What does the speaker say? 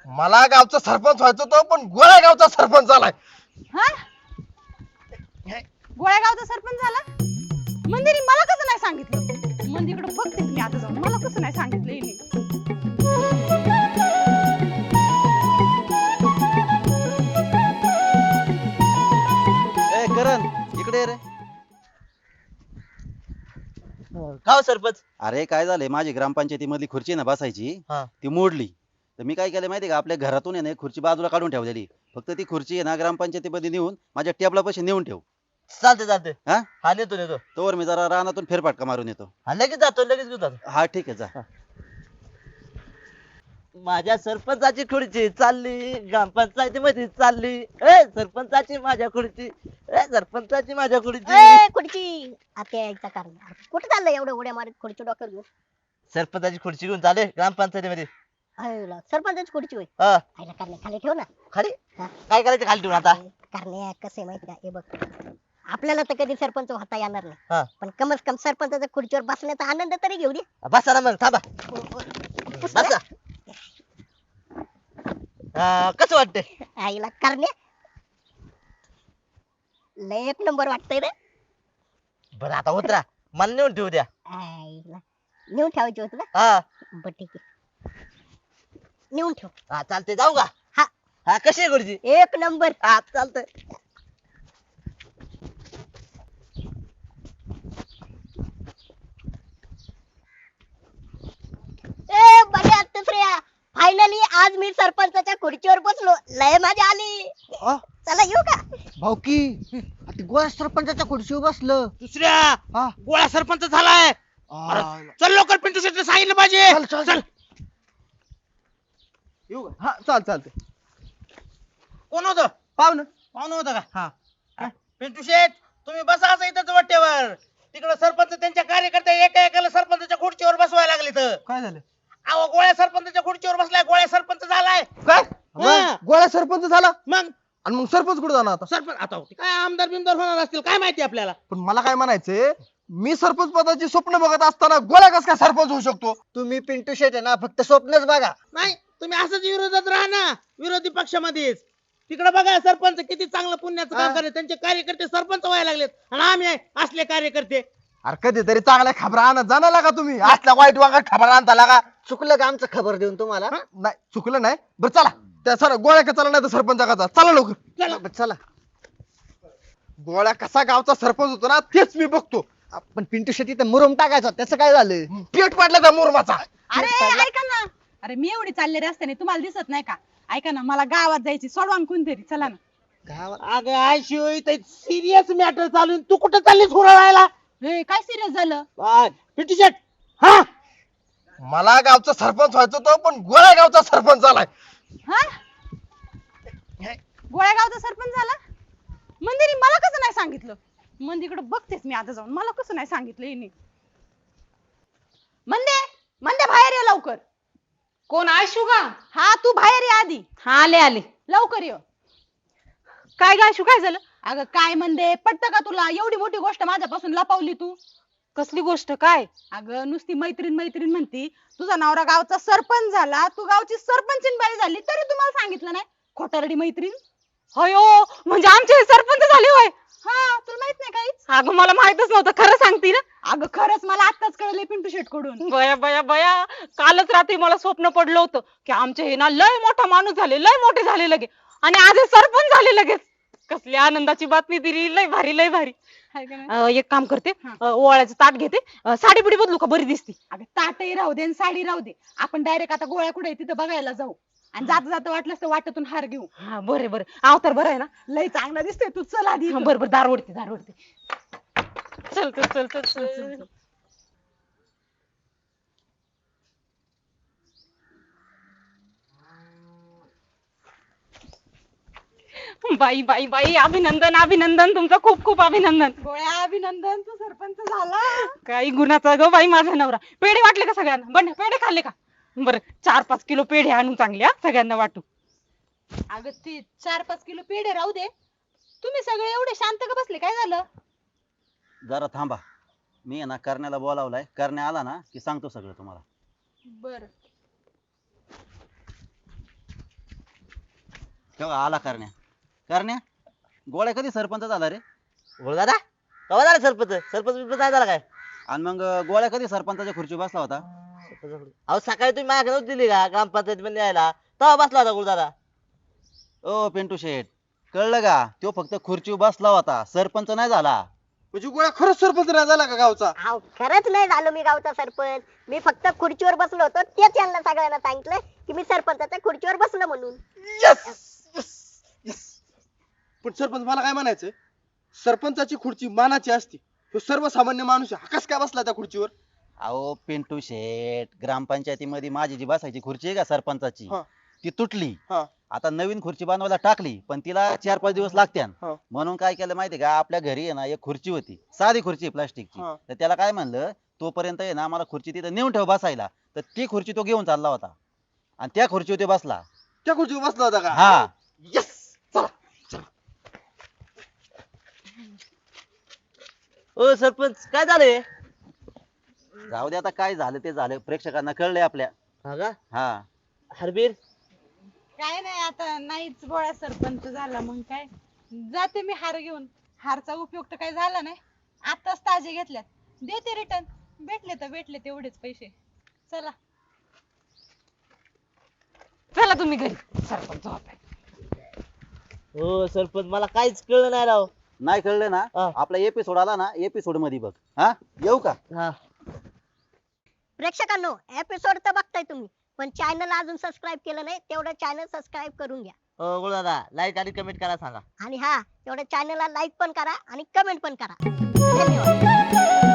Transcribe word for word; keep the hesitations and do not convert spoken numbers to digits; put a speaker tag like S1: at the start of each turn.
S1: मला गावचा सरपंच व्हायचं होतं पण गोळ्या गावचा सरपंच झालाय.
S2: हा गोळ्या गावचा सरपंच झाला. मंदिरी मला कसं नाही सांगितलं. मंदिरकडे बघते मी आता जाऊन. मला कसं नाही सांगितलं हिने.
S3: ए करण इकडे ये रे.
S1: गाव सरपंच.
S3: अरे काय झालंय, माझी ग्रामपंचायती मधली खुर्ची ना बसायची
S1: हा.
S3: ती मोडली. तर मी काय केलं माहितीये का, आपल्या घरातून आहे ना एक खुर्ची बाजूला काढून ठेवलेली. फक्त ती खुर्ची आहे ना ग्रामपंचायतीमध्ये नेऊन माझ्या टेबला पाशी नेऊन ठेव.
S1: चालते चालते.
S3: हा
S1: हा नेतो नेतो.
S3: तोवर मी जरा रानातून फेरफटका मारून येतो.
S1: हा लगेच जातो लगेच घेऊन जातो.
S3: हा ठीक आहे जा.
S4: माझ्या सरपंचाची खुर्ची चालली ग्रामपंचायतीमध्ये चालली. ए सरपंचाची माझ्या खुर्ची. ए सरपंचाची माझ्या खुर्ची.
S5: ए खुर्ची आता यायचा कारण कुठे चाललंय एवढं उड्या मारत खुर्ची डोक्यावर घेऊन.
S4: सरपंचाची खुर्ची घेऊन चाले ग्रामपंचायतीमध्ये.
S5: आयला, सरपंचाची खुर्ची होय.
S4: हा
S5: आयला करण्या खाली ठेव ना.
S4: खाली
S5: हा.
S4: काय करायचं खाली ठेवून आता.
S5: करण्या कसं आहे माहिती का, हे बघ आपल्याला तर कधी सरपंच होता येणार
S4: हा.
S5: नाही, पण कमस कम सरपंचाच्या खुर्चीवर बसण्याचा आनंद तरी घेऊ दे.
S4: बसा ना मग थांबा.
S5: पुसलं?
S4: बसा. हा, कसं वाटतंय.
S5: आईला करण्या लय एक नंबर वाटतंय रे.
S4: बरं आता उतरा मला नेऊन ठेवू द्या.
S5: आईला नेऊन ठेवायची होती ना.
S4: हा
S5: बरं ठीक आहे, नेऊन ठेव.
S4: हा चालते जाऊ का.
S5: हा.
S4: हा कशी आहे खुर्ची.
S5: एक नंबर.
S4: हा चालतंय.
S5: ए बघा दुसऱ्या फायनली आज मी सरपंचाच्या खुर्चीवर बसलो. लय मजा आली. चला येऊ का.
S6: भाऊकी ती गोळ्या सरपंचाच्या खुर्चीवर बसलं.
S7: दुसऱ्या
S6: हा.
S7: गोळ्या सरपंच झालाय.
S6: आ,
S7: चल लवकर पिंटू शेटला सांगितलं पाहिजे.
S6: चल, चल,
S7: चल.
S6: येऊ का? हा चाल चालते.
S7: कोण होतं
S6: पाहुणं.
S7: पाहुणं होतं का.
S6: हा.
S7: हा. पिंटू शेट तुम्ही बसा असं इथं वाटेवर. तिकडे सरपंच त्यांच्या कार्यकर्ते एका एकाला सरपंचाच्या खुर्चीवर बसवायला लागले तर.
S6: काय झालं?
S7: अहो गोळ्या सरपंचाच्या खुर्चीवर बसलाय. गोळ्या सरपंच झालाय.
S6: काय
S7: हा.
S6: गोळ्या सरपंच झाला
S7: मग
S6: आणि मग सरपंच कुठे जाणार आता?
S7: सरपंच आता होते काय आमदार बिमदार होणार असतील काय माहिती आपल्याला.
S6: पण मला काय म्हणायचंय, मी सरपंच पदाची स्वप्न बघत असताना गोळ्या कस काय सरपंच होऊ शकतो?
S4: तुम्ही पिंटू शेट आहे ना फक्त स्वप्नच बघा.
S7: नाही तुम्ही असंच विरोधात राहा ना, विरोधी पक्षामध्येच. तिकडे बघा सरपंच किती चांगलं पुण्याचं काम करतात. त्यांचे कार्यकर्ते सरपंच व्हायला लागलेत आणि आम्ही आहे असले कार्यकर्ते.
S6: अरे कधीतरी चांगल्या खबरा आणत जाणार का तुम्ही? असल्या वाईट वागत खबरा आणता लागा.
S4: चुकलं का आमचं खबर देऊन तुम्हाला.
S6: नाही चुकलं नाही. बरं चला त्या सर गोळ्या का चला नाही तर सरपंच का चला लवकर.
S7: चला.
S6: चला. गोळ्या कसा गावचा सरपंच होतो ना तेच मी बघतो.
S4: पण पिंटू शेट्टी तर मुरुम टाकायचा त्याचं काय झालं.
S6: पेट पडला त्या मुरमाचा.
S2: अरे ऐका ना. अरे मी एवढी चालले रस्त्याने तुम्हाला दिसत नाही का. ऐका ना मला गावात जायची. सोडवा ना कोणतरी. चला ना.
S7: अगं आय शिवाय सिरियस मॅटर चालू आहे. तू कुठं चाललीस हुराळायला.
S2: हे काय सिरियस झालं.
S7: पिंटू शेट. हा
S1: मला गावचा सरपंच व्हायचं होतं पण गोळ्या गावचा सरपंच झालाय.
S2: हा गोळ्या गावचा सरपंच झाला. मंदिरी मला कसं नाही सांगितलं. मंदिरकडे बघतेच मी आता जाऊन. मला कसं नाही सांगितलं हिने. मंदे मंदे बाहेर ये लवकर.
S8: कोण आयशू का.
S2: हा तू बाहेर ये आधी.
S8: हा आले आले.
S2: लवकर ये.
S8: काय ग आयशू काय झालं.
S2: अगं काय म्हणते पटतं का तुला. एवढी मोठी गोष्ट माझ्यापासून लपवली तू.
S8: कसली गोष्ट काय.
S2: अगं नुसती मैत्रीण मैत्रीण म्हणती. तुझा नवरा गावचा सरपंच झाला. तू गावची सरपंचीन बाई झाली तरी तुम्हाला सांगितलं नाही. खोटारडी मैत्रीण.
S8: अयो म्हणजे आमचे हे सरपंच झाले होय.
S2: हा तुला माहित नाही काहीच.
S8: अगं मला माहितच नव्हतं. खरं सांगते ना.
S2: अगं खरंच मला आत्ताच कळले पिंटू शेट कडून.
S8: बया बया बया कालच रात्री मला स्वप्न पडलं होतं की आमचे हे ना लय मोठा माणूस झाले लय मोठे झाले लगे आणि आज हे सरपंच झाले लगेच. कसली आनंदाची बातमी दिली. लय भारी लय भारी.
S2: हाय का नाही?
S8: अं, एक काम करते अं, ओवाळ्याचं ताट घेते. अं, साडी बिडी बदलू का बरी दिसती.
S2: अगं ताटही राहू दे आणि साडी राहू दे. आपण डायरेक्ट आता गोळ्या कुठे तिथं बघायला जाऊ आणि जाता जाता वाटलंच तर वाटातून हार घेऊ.
S8: हा बरे बरे अवतार बरं आहे ना.
S2: लय चांगला दिसतोय तू. चल आधी.
S8: हा, बरं बरं दार ओढते दार ओढते. चल चल चल चल
S2: चल, चल, चल.
S8: बाई बाई बाई अभिनंदन अभिनंदन तुमचं खूप खूप अभिनंदन.
S2: गोळ्या अभिनंदन तू सरपंच झाला.
S8: काही गुणाचा ग बाई माझा नवरा. पेढे वाटले का सगळ्यांना. बंड पेढे खाल्ले का. बरं चार पाच किलो पेढे आणून चांगले हा सगळ्यांना वाटू.
S2: अगं ते चार पाच किलो पेढे राहू दे. तुम्ही सगळे एवढे शांत का बसले. काय झालं.
S3: जरा थांबा. मी आहे ना करण्याला बोलावलाय. करण्या आला ना की सांगतो सगळं तुम्हाला.
S2: बर
S3: तेव्हा आला करण्या करण्या गोळ्या कधी सरपंच झाला रे?
S4: बोल दादा कवा झाला सरपंच सरपंच बिरपंच नाही झाला काय
S3: आणि मग गोळ्या कधी सरपंचाच्या खुर्चीवर बसला होता?
S4: अहो सकाळी तुम्ही माझ्याकडे नव्हती दिली का ग्रामपंचायत मध्ये यायला तेव्हा बसला होता गुरुदादा.
S3: ओ पिंटू शेठ कळलं का? तो फक्त खुर्चीवर बसला होता, सरपंच नाही झाला.
S6: म्हणजे गोळ्या खरंच सरपंच नाही झाला का गावचा?
S5: अहो खरंच नाही झालो मी गावचा सरपंच. मी फक्त खुर्चीवर बसलो होतो तेच यांना सगळ्यांना सांगितलं की मी सरपंचाच्या खुर्चीवर बसलो म्हणून.
S6: पण सरपंच मला काय म्हणायचं, सरपंचाची खुर्ची मानाची असते, तो सर्वसामान्य माणूस आहे, हा कस काय बसला त्या खुर्चीवर?
S3: अहो पिंटू शेठ ग्रामपंचायतीमध्ये माझी जी बसायची खुर्ची आहे का सरपंचाची
S6: हा.
S3: ती तुटली.
S6: हा.
S3: आता नवीन खुर्ची बनवायला टाकली पण तिला चार पाच दिवस लागत्यान.
S6: हा.
S3: म्हणून काय केलं माहितीये का, आपल्या घरी आहे ना एक खुर्ची होती, साधी खुर्ची प्लास्टिकची.
S6: हा.
S3: तर त्याला काय म्हणलं, तोपर्यंत आहे ना मला खुर्ची तिथे नेऊन ठेव बसायला. तर ती खुर्ची तो घेऊन चालला होता आणि त्या खुर्चीवर तो बसला.
S6: त्या खुर्चीवर बसला होता का?
S3: हा.
S6: यस.
S4: ओ सरपंच काय झालंय
S3: जाऊ दे आता, काय झालं ते झालं, प्रेक्षकांना कळलंय आपल्या.
S4: हा का
S3: हा
S4: हरबीर
S2: काय नाही आता नाहीच गोळ्या सरपंच झाला मग काय जाते मी हार घेऊन. हारचा उपयोग तर काही झाला नाही, आताच ताजे घेतल्यात, देते रिटर्न. भेटले तर भेटले तेवढेच पैसे. चला
S8: चला तुम्ही घरी, सरपंच होताय.
S4: हो सरपंच मला काहीच कळलं नाही राव.
S3: नाही कळलं ना,
S4: हा.
S3: आपला एपिसोड आला ना, एपिसोड मध्ये बघ. हा येऊ का?
S4: हा
S5: प्रेक्षकांनो एपिसोड तर बघताय तुम्ही, पण चॅनल अजून सबस्क्राईब केलं नाही तेवढं चॅनल सबस्क्राईब करून घ्या.
S4: हो गुरुदादा लाईक आणि कमेंट करा सांगा.
S5: आणि हा तेवढं चॅनलला लाईक पण करा आणि कमेंट पण करा. धन्यवाद.